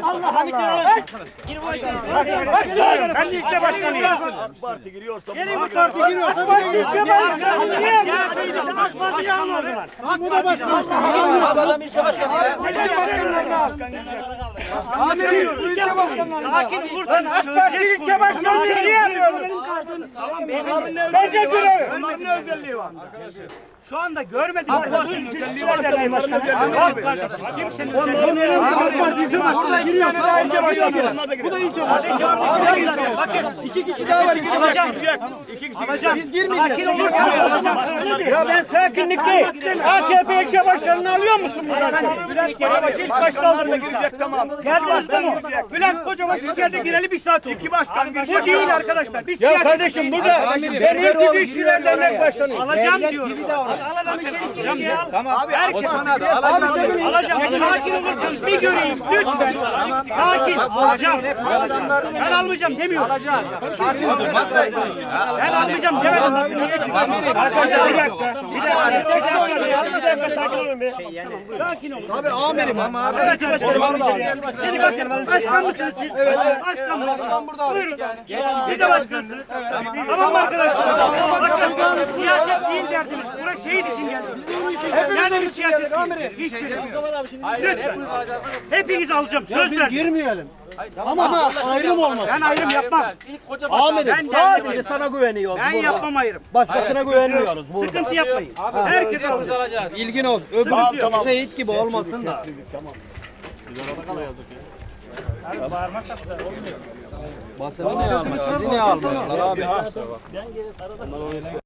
Ben de ilçe başkanıyım. AK Parti giriyorsa AK Parti giriyorsa ilçe başkanı niye? AK Parti'yi alma o zaman. Bu da başkan. Adam ilçe başkanı ya. İlçe başkanlarına. Amirim, ilçe başkanlarına. Sakin olursan AK Parti ilçe başkanı niye alıyorsun? Bence görev. onların ne özelliği var? Şu anda görmedim. AK Parti'nin özelliği var da bunların özelliği var. Kimsenin özelliği yok. AK Parti ilçe başkanı giriyor. İlçe başkanı. Bu da ilçe başkanı. Bakın 2 kişi daha var ilçe başkanı. Biz girmeyeceğiz. Sakin olursan. Ya ben sakinlikteyim. AKP ilçe başkanını alıyor musun buradan? Bülent Kocabaşı ilk başta Başkanlar da aldı. girecek tamam. Gel başkanım. Bülent Kocabaşı içeride gireli 1 saat oldu. İki başkan girecek. Bu değil arkadaşlar. Biz ya kardeşim burada ben ilk işçiler dernek başkanıyım. Alacağım diyorum. Alalım içeri al. Tamam abi. Alacağım. Sakin olursanız bir göreyim lütfen. Sakin. Alacağım. Ben almayacağım demiyorum. Ben almayacağım demedim. Arkadaşlar bir dakika. Sakin olun be. Sakin olun. Abi amirim ama. Evet başkanım. Seni başkanım. Başkan mısınız siz? Evet. Başkan mısınız? Buyurun. Siz de başkansınız. Tamam mı arkadaşlar? Bakın siyaset değil derdimiz. Burası şehit için geldik. Yani bir siyaset değil. Hiçbir. Lütfen. Hepinizi alacağım. Söz ver. Girmeyelim. Ama ayrım olmaz. Ben ayrım yapmam. Amirim sadece sana güveniyoruz Ben burada. yapmam ayrım. Başkasına güvenmiyoruz burada. Sıkıntı yapmayın. Herkes alacak. İlgin ol. Öbür şehit gibi olmasın da. Basını niye almıyorlar? Sizi niye almıyorlar abi?